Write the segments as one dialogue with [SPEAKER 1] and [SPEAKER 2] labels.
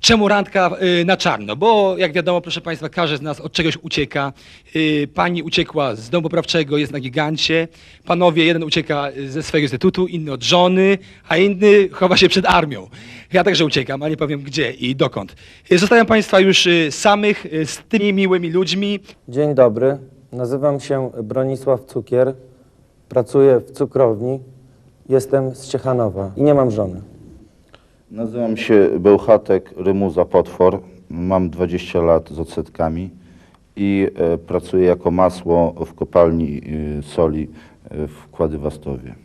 [SPEAKER 1] Czemu randka na czarno? Bo jak wiadomo, proszę Państwa, każdy z nas od czegoś ucieka. Pani uciekła z domu poprawczego, jest na gigancie. Panowie, jeden ucieka ze swojego instytutu, inny od żony, a inny chowa się przed armią. Ja także uciekam, ale nie powiem gdzie i dokąd. Zostawiam Państwa już samych z tymi miłymi ludźmi.
[SPEAKER 2] Dzień dobry, nazywam się Bronisław Cukier, pracuję w cukrowni, jestem z Ciechanowa i nie mam żony.
[SPEAKER 3] Nazywam się Bełchatek Rymuza Potwor, mam 20 lat z odsetkami i pracuję jako masło w kopalni soli w Kładywastowie.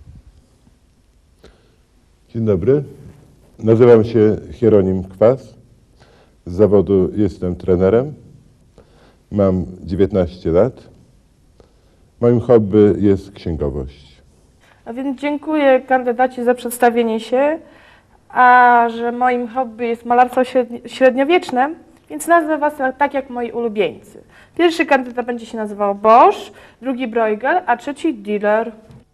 [SPEAKER 4] Dzień dobry, nazywam się Hieronim Kwas, z zawodu jestem trenerem, mam 19 lat, moim hobby jest księgowość.
[SPEAKER 5] A więc dziękuję kandydaci za przedstawienie się, a że moim hobby jest malarstwo średniowieczne, więc nazwę was tak jak moi ulubieńcy. Pierwszy kandydat będzie się nazywał Bosch, drugi Bruegel, a trzeci Dealer.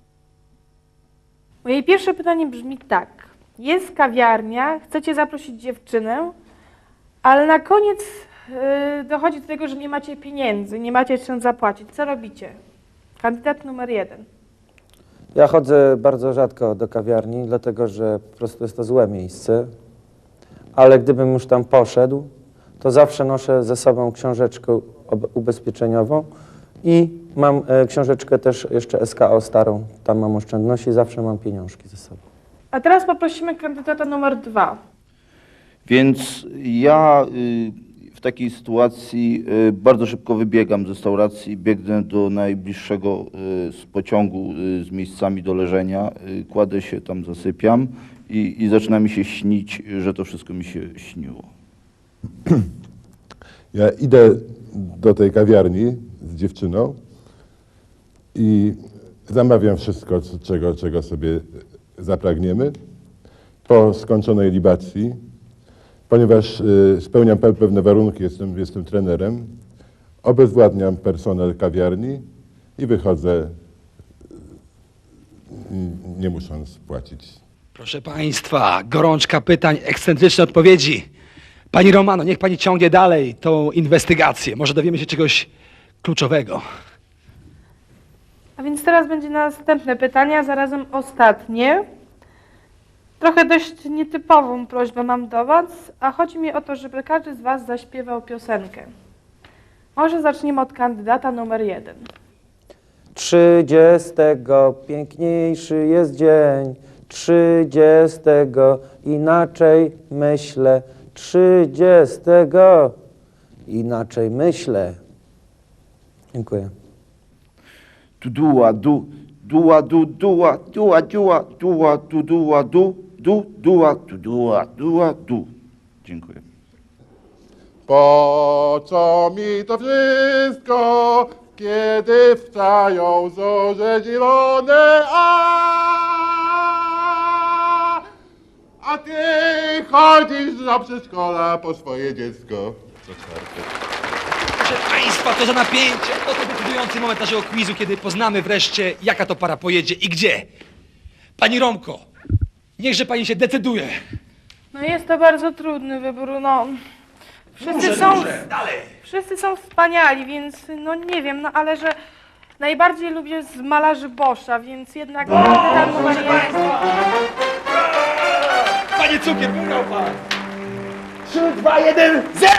[SPEAKER 5] Moje pierwsze pytanie brzmi tak. Jest kawiarnia, chcecie zaprosić dziewczynę, ale na koniec dochodzi do tego, że nie macie pieniędzy, nie macie czym zapłacić. Co robicie? Kandydat numer 1.
[SPEAKER 2] Ja chodzę bardzo rzadko do kawiarni, dlatego że po prostu jest to złe miejsce, ale gdybym już tam poszedł, to zawsze noszę ze sobą książeczkę ubezpieczeniową i mam książeczkę też jeszcze SKO starą, tam mam oszczędności, zawsze mam pieniążki ze sobą.
[SPEAKER 5] A teraz poprosimy kandydata numer 2.
[SPEAKER 3] Więc ja w takiej sytuacji bardzo szybko wybiegam z restauracji, biegnę do najbliższego z pociągu z miejscami do leżenia, kładę się tam, zasypiam i zaczyna mi się śnić, że to wszystko mi się śniło.
[SPEAKER 4] Ja idę do tej kawiarni z dziewczyną i zamawiam wszystko, czego sobie zapragniemy. Po skończonej libacji, ponieważ spełniam pewne warunki, jestem trenerem, obezwładniam personel kawiarni i wychodzę, nie musząc płacić.
[SPEAKER 1] Proszę Państwa, gorączka pytań, ekscentryczne odpowiedzi. Pani Romano, niech Pani ciągnie dalej tą inwestygację. Może dowiemy się czegoś kluczowego.
[SPEAKER 5] A więc teraz będzie następne pytanie, a zarazem ostatnie. Trochę dość nietypową prośbę mam do was, a chodzi mi o to, żeby każdy z was zaśpiewał piosenkę. Może zaczniemy od kandydata numer 1.
[SPEAKER 2] 30 piękniejszy jest dzień, 30 inaczej myślę, 30 inaczej myślę. Dziękuję.
[SPEAKER 3] Dua du, dua du, dua, dua, dua, dua, du, dua, du, dua, du, dua, dua, du. Dziękuję.
[SPEAKER 4] Po co mi to wszystko, kiedy wstają zorze zielone, a ty chodzisz do przedszkola po swoje dziecko. Co czwartek.
[SPEAKER 1] Proszę Państwa, to za napięcie. Oto decydujący moment naszego quizu, kiedy poznamy wreszcie, jaka to para pojedzie i gdzie. Pani Romko, niechże Pani się decyduje.
[SPEAKER 5] No jest to bardzo trudny wybór, no. Wszyscy są wspaniali, więc no nie wiem, no ale że najbardziej lubię z malarzy Boscha, więc jednak kandydat numer 1.
[SPEAKER 1] Panie Cukier, wygrał Pan. 3, 2, 1, 0!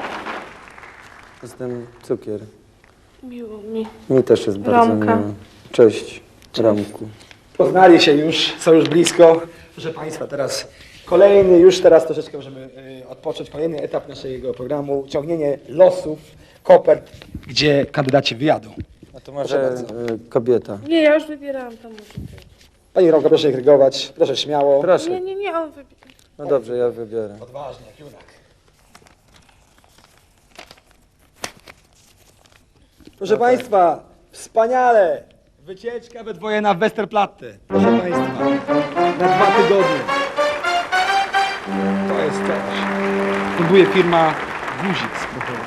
[SPEAKER 2] Jestem Cukier.
[SPEAKER 5] Miło mi.
[SPEAKER 2] Mi też jest bardzo
[SPEAKER 5] Romka.
[SPEAKER 2] miło. Cześć, Romku.
[SPEAKER 1] Poznali się już, są już blisko. Proszę Państwa, teraz kolejny, już teraz troszeczkę możemy odpocząć. Kolejny etap naszego programu, ciągnienie losów, kopert, gdzie kandydaci wyjadą.
[SPEAKER 2] A to może
[SPEAKER 1] bardzo.
[SPEAKER 2] kobieta.
[SPEAKER 5] Nie, ja już wybierałam to może ty.
[SPEAKER 1] Pani Romka, proszę krygować, proszę śmiało.
[SPEAKER 2] Proszę.
[SPEAKER 5] Nie, on wybiera.
[SPEAKER 2] No dobrze, ja wybiorę.
[SPEAKER 1] Odważnie, jak junak. Proszę Państwa, wspaniale! Wycieczka we dwoje na Westerplatte. Proszę Państwa, na 2 tygodnie. To jest coś. Funduje firma Guzic.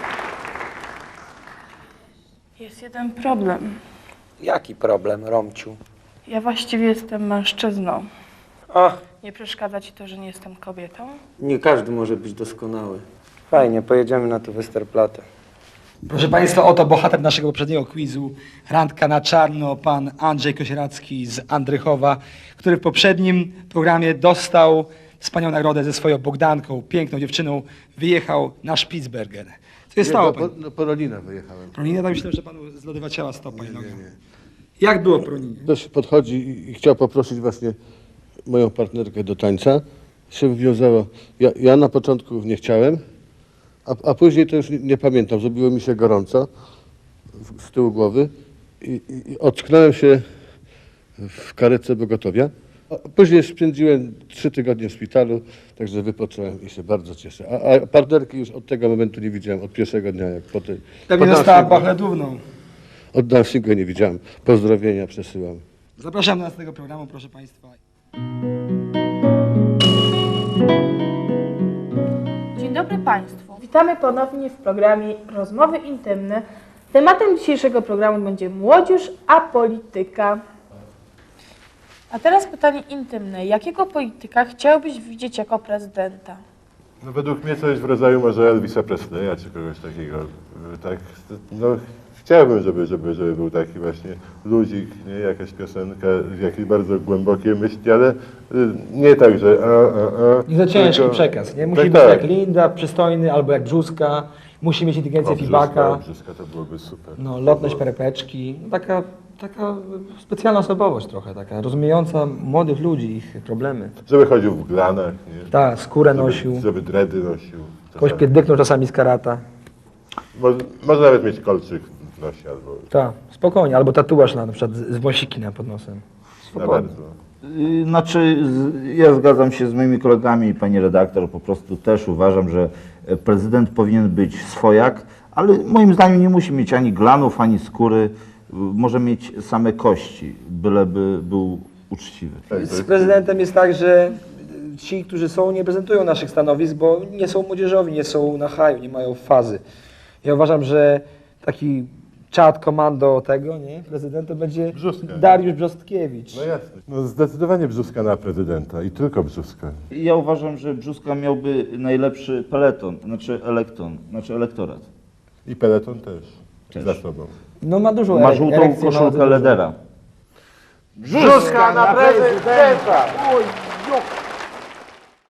[SPEAKER 5] Jest jeden problem.
[SPEAKER 2] Jaki problem, Romciu?
[SPEAKER 5] Ja właściwie jestem mężczyzną.
[SPEAKER 2] O,
[SPEAKER 5] Nie przeszkadza ci to, że nie jestem kobietą?
[SPEAKER 2] Nie każdy może być doskonały. Fajnie, pojedziemy na to Westerplatte.
[SPEAKER 1] Proszę Państwa, oto bohater naszego poprzedniego quizu, Randka na czarno, pan Andrzej Kosieracki z Andrychowa, który w poprzednim programie dostał wspaniałą nagrodę ze swoją Bogdanką, piękną dziewczyną, wyjechał na Spitsbergen. Co się stało?
[SPEAKER 6] Po Rolina wyjechałem.
[SPEAKER 1] Proninie, tak myślę, że panu zlodywaciała stopa i noga. Jak było w Proninie?
[SPEAKER 6] Ktoś podchodzi i chciał poprosić właśnie moją partnerkę do tańca. Się wywiązało. Ja na początku nie chciałem, a później to już nie pamiętam. Zrobiło mi się gorąco z tyłu głowy i ocknąłem się w karetce pogotowia. A później spędziłem 3 tygodnie w szpitalu, także wypocząłem i się bardzo cieszę. A partnerki już od tego momentu nie widziałem, od pierwszego dnia, jak po tej...
[SPEAKER 1] Pewnie
[SPEAKER 6] po
[SPEAKER 1] została
[SPEAKER 6] dancingu.
[SPEAKER 1] bachledówną.
[SPEAKER 6] Od dancingu nie widziałem. Pozdrowienia przesyłam.
[SPEAKER 1] Zapraszam do następnego programu, proszę Państwa.
[SPEAKER 5] Dzień dobry Państwu. Witamy ponownie w programie Rozmowy Intymne. Tematem dzisiejszego programu będzie młodzież, a polityka. A teraz pytanie intymne. Jakiego polityka chciałbyś widzieć jako prezydenta?
[SPEAKER 4] No według mnie coś w rodzaju może Elvisa Presleya czy kogoś takiego. Tak, no, chciałbym, żeby był taki właśnie ludzik, nie? Jakaś piosenka, jakieś bardzo głębokie myśli, ale nie tak, że
[SPEAKER 1] Nie za ciężki
[SPEAKER 4] tylko-
[SPEAKER 1] przekaz, nie? Musi
[SPEAKER 4] Tak,
[SPEAKER 1] być
[SPEAKER 4] tak.
[SPEAKER 1] jak Linda, przystojny, albo jak Brzuska. Musi mieć inteligencję Fibaka.
[SPEAKER 4] Brzyska to byłoby super.
[SPEAKER 1] No, lotność perepeczki. No, taka specjalna osobowość trochę, taka rozumiejąca młodych ludzi, ich problemy.
[SPEAKER 4] Żeby chodził w glanach, nie?
[SPEAKER 1] Tak, skórę nosił.
[SPEAKER 4] Żeby dredy nosił.
[SPEAKER 1] Kogoś pierdyknął czasami z karata.
[SPEAKER 4] Może nawet mieć kolczyk w nosie albo
[SPEAKER 1] Tak, spokojnie. Albo tatuaż na przykład z wąsiki pod nosem.
[SPEAKER 4] na
[SPEAKER 1] Spokojnie.
[SPEAKER 4] bardzo.
[SPEAKER 3] Znaczy, ja zgadzam się z moimi kolegami, pani redaktor, po prostu też uważam, że prezydent powinien być swojak, ale moim zdaniem nie musi mieć ani glanów, ani skóry, może mieć same kości, byleby był uczciwy.
[SPEAKER 1] Z prezydentem jest tak, że ci, którzy są, nie prezentują naszych stanowisk, bo nie są młodzieżowi, nie są na haju, nie mają fazy. Ja uważam, że taki czad komando tego, nie, prezydenta będzie
[SPEAKER 4] Brzuska.
[SPEAKER 1] Dariusz Brzostkiewicz.
[SPEAKER 4] No jasne. No zdecydowanie Brzuska na prezydenta i tylko Brzuska.
[SPEAKER 3] Ja uważam, że Brzuska miałby najlepszy peleton, znaczy elektorat.
[SPEAKER 4] I peleton też. Za sobą.
[SPEAKER 1] No ma dużo
[SPEAKER 3] Ma żółtą
[SPEAKER 1] erekcji, ma
[SPEAKER 3] koszulkę
[SPEAKER 1] dużo.
[SPEAKER 3] Ledera.
[SPEAKER 2] Brzuska na prezydenta!